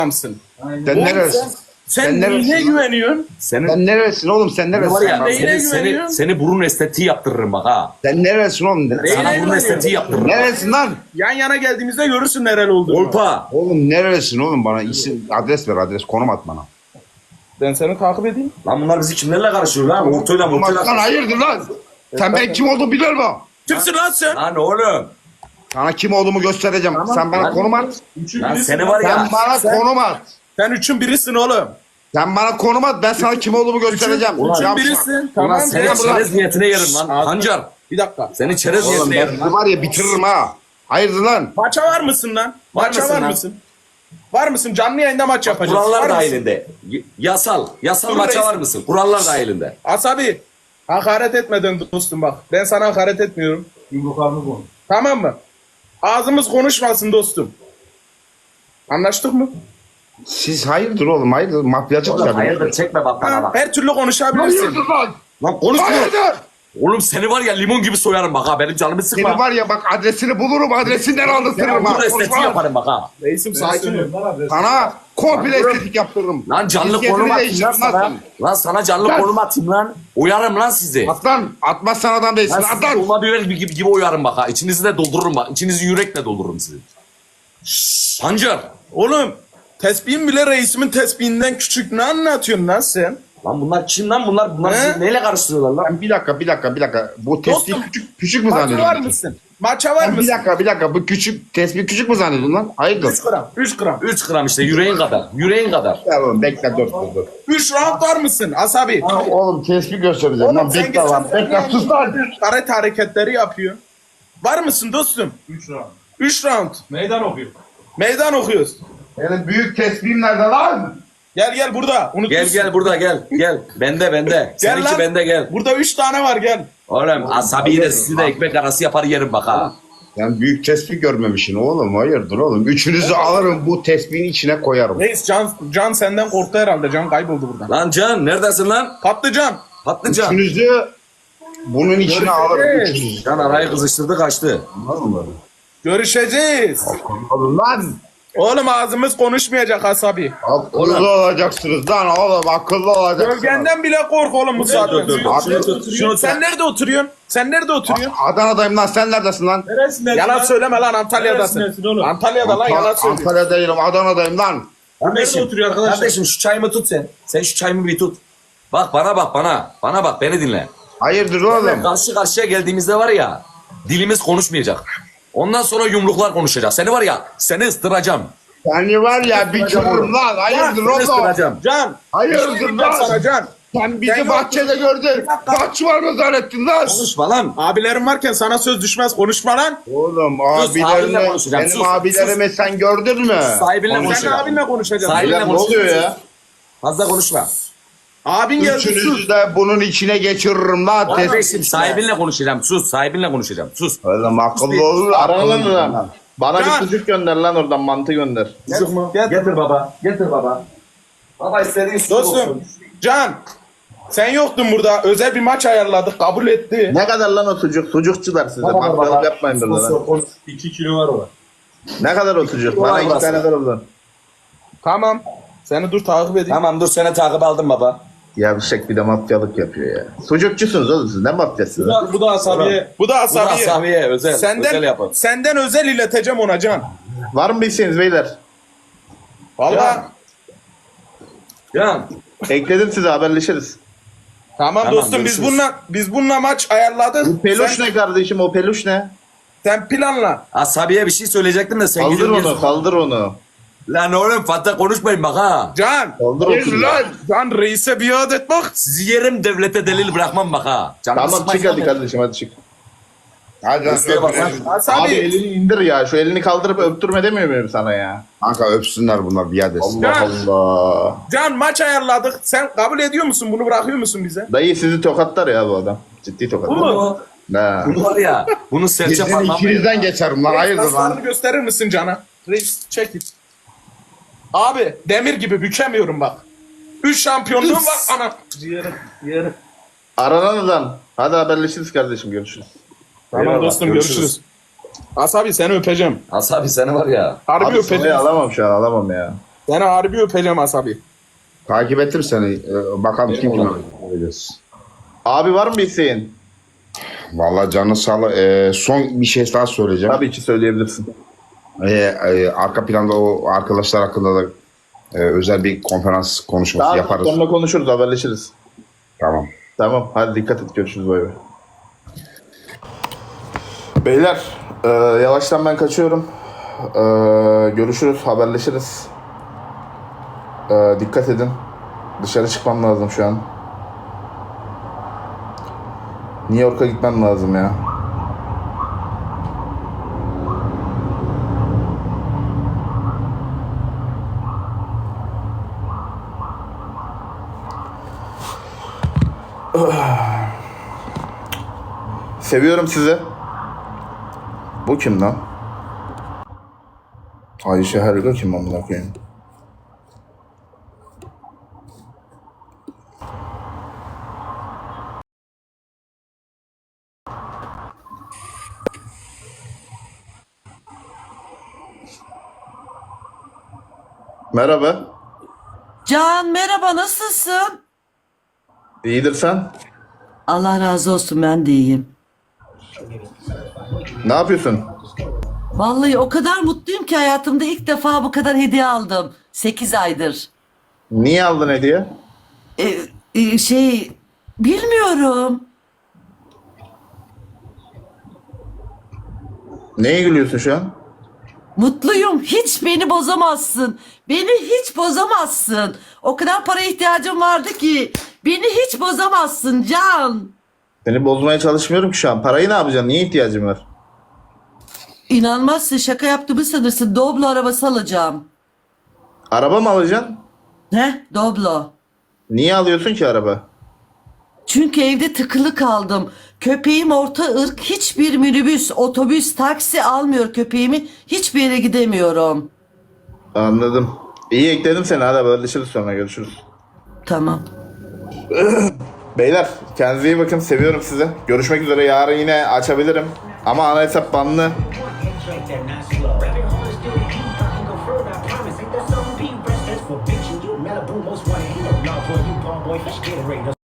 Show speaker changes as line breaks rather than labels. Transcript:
adamsın.
Sen neresin?
Sen neyine güveniyorsun?
Sen neresin oğlum? Sen neresin?
Var ya,
Sen neyine güveniyorsun?
seni burun estetiği yaptırırım bak ha.
Sen neresin oğlum?
Sana
Neyine
burun
güveniyorsun?
estetiği yaptırırım.
Neresin lan?
Yan yana geldiğimizde görürsün nereli olduğunu.
Olpa.
Oğlum neresin oğlum, bana isim adres ver, adres konum at bana.
Ben seni takip edeyim.
Lan bunlar bizi kimlerle karışıyor lan? Ortoyla
Konum at lan,
mortoyla.
hayırdır lan? Sen ben kim olduğumu biliyor musun?
Kimsin lan sen?
Lan oğlum.
Sana kim olduğumu göstereceğim. Sen bana
Lan-
konum at.
Lan seni var ya.
Sen bana konum at.
Sen üçün birisin oğlum.
Sen bana konum at, ben sana kim olduğumu göstereceğim.
Ulan-
Yavşak.
Birisin.
Ulan
Tamam.
seni
gel buraya.
çerez niyetine yerim lan. Hancar.
Bir dakika.
Seni çerez
Oğlum
niyetine
ben
yerim
sizi
lan.
var ya bitiririm ha. Hayırdır lan?
Maça var mısın lan? Maça
mısın
var
lan?
mısın? Var mısın? Canlı yayında maç yapacağız.
Kurallar
Var mısın?
dahilinde. Yasal
Dur
maça
reis.
var mısın? Kurallar dahilinde.
Asabi. Hakaret etmeden dostum bak. Ben sana hakaret etmiyorum.
Yumruklarını koy.
Tamam mı? Ağzımız konuşmasın dostum. Anlaştık mı?
Siz hayırdır oğlum, hayırdır? Mafyacı
Oğlum
tabii.
hayırdır çekme bak bana
Ha,
bak.
her türlü konuşabilirsin.
Hayırdır lan?
Lan konuşma.
Hayırdır?
Oğlum seni var ya limon gibi soyarım bak ha. Benim canımı
Seni
sıkma.
var ya bak, adresini bulurum, adresinden aldırtırım ha.
Burun estetiği
Konuşma.
yaparım bak ha.
Reisim sakin ol.
Sana komple estetik yaptırırım.
Lan canlı
Cinsiyetini
konum atayım lan
değiştiririm
sana.
lan.
Lan sana canlı
Lan.
konum atayım lan. Uyarım lan sizi.
Atlan, atmazsan adam değilsin.
Lan sizi
Atlan.
dolma biber gibi uyarım bak ha. İçinizi de doldururum bak. İçinizi yürekle doldururum sizi. Sancar.
Oğlum tespihin bile reisimin tespihinden küçük. Ne anlatıyorsun lan sen?
Lan bunlar kim lan? Bunlar
He?
sizi neyle karıştırıyorlar lan?
Bir dakika. Bu tespih
Dostum,
küçük mü
Maça var
zannediyorsun?
mısın? Maça var
Bir
mısın?
dakika. Bu tespih küçük mü zannediyorsun lan? Hayırdır?
3 gram. 3 gram.
3 gram işte yüreğin kadar. Yüreğin kadar.
Ya oğlum bekle dur.
3 round var mısın Asabi?
Oğlum tespih göstereceğim
Oğlum
lan,
sen
bekle lan.
geçen
Bekle sus lan.
karate hareketleri yapıyor. Var mısın dostum?
3 round.
3 round.
Meydan okuyor.
Meydan okuyoruz.
Benim büyük tespihim nerede lan?
Gel burada. Unutmuşsun.
Gel burada gel. Bende.
Gel
Seninki
lan.
bende gel.
Burada 3 tane var gel.
Oğlum asabiyi de sizi de ekmek arası yapar yerim bak ha.
Sen büyük tespih görmemişsin oğlum, hayırdır oğlum. Üçünüzü alırım, bu tespihin içine koyarım.
Reis Can senden korktu herhalde. Can kayboldu buradan.
Lan Can neredesin lan?
Patlıcan.
Patlıcan.
Üçünüzü bunun içine alırım. Üçünüzü.
Can arayı kızıştırdı kaçtı.
Görüşeceğiz.
Oğlum lan.
Oğlum ağzımız konuşmayacak Asabi.
Akıllı olacaksınız lan oğlum, akıllı olacaksınız.
Gölgenden bile kork oğlum bu saatten
dur.
sonra.
Şunu tut, şunu tut.
Sen nerede oturuyorsun? Sen nerede oturuyorsun?
Adana'dayım lan, sen neredesin lan?
Neresinden?
Yalan söyleme lan Antalya'dasın.
Neresindesin oğlum?
Antalya'da lan yalan söylüyorsun.
Antalya değilim, Adana'dayım lan.
Kardeşim,
oturuyor arkadaşlar?
Kardeşim şu çayımı tut sen. Sen şu çayımı bir tut. Bak bana bak bana. Bana bak beni dinle.
Hayırdır oğlum?
Karşı karşıya geldiğimizde var ya dilimiz konuşmayacak. Ondan sonra yumruklar konuşacak. Seni var ya seni ıstıracağım.
Seni var ya bitiririm lan, hayırdır
Seni
oğlum?
ıstıracağım.
Can.
Hayırdır
bir şey diyeceğim sana
lan?
Can.
Sen bizi
Sen
bahçede gördün. Kaç var mı zannettin lan?
Konuşma lan.
Abilerim varken sana söz düşmez konuşma lan.
Oğlum
Sus, abinle
abilerini,
konuşacağım,
benim
sus,
abilerimi sen gördün mü?
Sahibinle
Sen de
konuşacağım.
abinle konuşacaksın.
Sahibinle
Ne oluyor ya?
Fazla konuşma.
Abin geldi sus.
Üçünüzü de bunun içine geçiririm lan.
Kardeşim sahibinle konuşacağım. Sus sahibinle konuşacağım. Sus.
Oğlum akıllı olun.
Aralan lan. Bana
Can.
bir sucuk gönder lan oradan, mantı gönder.
Getir baba. Getir baba. Baba istediğin su
Dostum. Can. Sen yoktun burada. Özel bir maç ayarladık. Kabul etti.
Ne kadar lan o sucuk? Sucukçular size. Mafyalık yapmayın burada lan.
2 kilo var o.
Ne kadar o sucuk? Bana
Kolay
2
burası.
tane ver oradan.
Tamam. Seni dur takip edeyim.
Tamam dur seni takip aldım baba.
Yavşak bir de mafyalık yapıyor ya. Sucukçusunuz oğlum siz. Ne mafyasınız?
Bu da asabiye.
Bu da
Bu da
Asabi'ye.
Samiye özel.
Senden,
Özel yapalım.
senden özel ileteceğim ona Can.
Var mı bir isteğiniz beyler?
Valla.
Can.
Ekledim size, haberleşiriz.
Tamam,
Tamam,
dostum
görüşürüz.
biz bununla maç ayarladık.
Bu peluş
sen,
ne kardeşim, o peluş ne?
sen planla.
Asabiye bir şey söyleyecektim de sen
Kaldır
gidiyorsun.
onu, kaldır onu.
Lan oğlum fazla konuşmayın bak ha.
Can.
Kaldır o
Hayırdır
sucuğu.
lan?
Can reise biat et bak.
Sizi yerim devlete delil bırakmam bak ha. Canımı
Tamam
sıkmayın
çık hadi
lan.
kardeşim, hadi çık.
Hadi
Üstüne bak lan.
Asabi.
Abi elini indir ya. Şu elini kaldırıp öptürme demiyor muyum sana ya?
Kanka öpsünler bunlar, biat etsin.
Allah
Can.
Allah.
Can maç ayarladık. Sen kabul ediyor musun? Bunu bırakıyor musun bize?
Dayı sizi tokatlar ya bu adam. Ciddi tokatlar.
Bunu,
Ne?
bunu var ya. Bunu serçe
Sizin
parmağım.
ikinizden geçerim lan, hayırdır lan?
Kaslarını gösterir misin Can'a? Reis çek it. Abi demir gibi bükemiyorum bak. 3 şampiyonluğum var ana. Yerim.
Aranan adam. Hadi haberleşiriz kardeşim, görüşürüz.
Tamam
Eyvallah,
dostum görüşürüz. Asabi seni öpeceğim.
Asabi seni var ya.
Harbi
Abi
öpeceğim.
soruyu alamam şu an, alamam ya.
Seni harbi öpeceğim Asabi.
Takip ettim seni. Bakalım kim kime vereceğiz.
Abi var mı bir isteğin?
Vallahi canı sağlık. Son bir şey daha söyleyeceğim.
Tabii ki söyleyebilirsin.
Arka planda o arkadaşlar hakkında da özel bir konferans konuşması
Daha
yaparız.
sonra konuşuruz, haberleşiriz.
Tamam.
Tamam, hadi dikkat et, görüşürüz, bay bay. Beyler, yavaştan ben kaçıyorum. Görüşürüz, haberleşiriz. Dikkat edin. Dışarı çıkmam lazım şu an. New York'a gitmem lazım ya. Seviyorum sizi. Bu kim lan? Ayşe Herga kim amına koyayım? Merhaba.
Can merhaba, nasılsın?
İyidir sen?
Allah razı olsun, ben de iyiyim.
Ne yapıyorsun?
Vallahi o kadar mutluyum ki hayatımda ilk defa bu kadar hediye aldım. 8 aydır.
Niye aldın hediye?
Bilmiyorum.
Neye gülüyorsun şu an?
Mutluyum. Hiç beni bozamazsın. Beni hiç bozamazsın. O kadar para ihtiyacım vardı ki. Beni hiç bozamazsın Can.
Seni bozmaya çalışmıyorum ki şu an. Parayı ne yapacaksın? Niye ihtiyacın var?
İnanmazsın, şaka yaptığımı sanırsın. Doblo arabası alacağım.
Araba mı alacaksın?
Ne? Doblo.
Niye alıyorsun ki araba?
Çünkü evde tıkılı kaldım. Köpeğim orta ırk, hiçbir minibüs, otobüs, taksi almıyor köpeğimi. Hiçbir yere gidemiyorum.
Anladım. İyi, ekledim seni. Hadi haberleşiriz, sonra görüşürüz.
Tamam.
Beyler, kendinize iyi bakın. Seviyorum sizi. Görüşmek üzere. Yarın yine açabilirim. Ama ana hesap banlı.
Like that, not slow. Rapping hard is still the key. I can go further, I promise. Ain't that something? Be rest, that's for bitching you. Malibu most wanted. Ain't no love for you, palm boy. Fish Gatorade.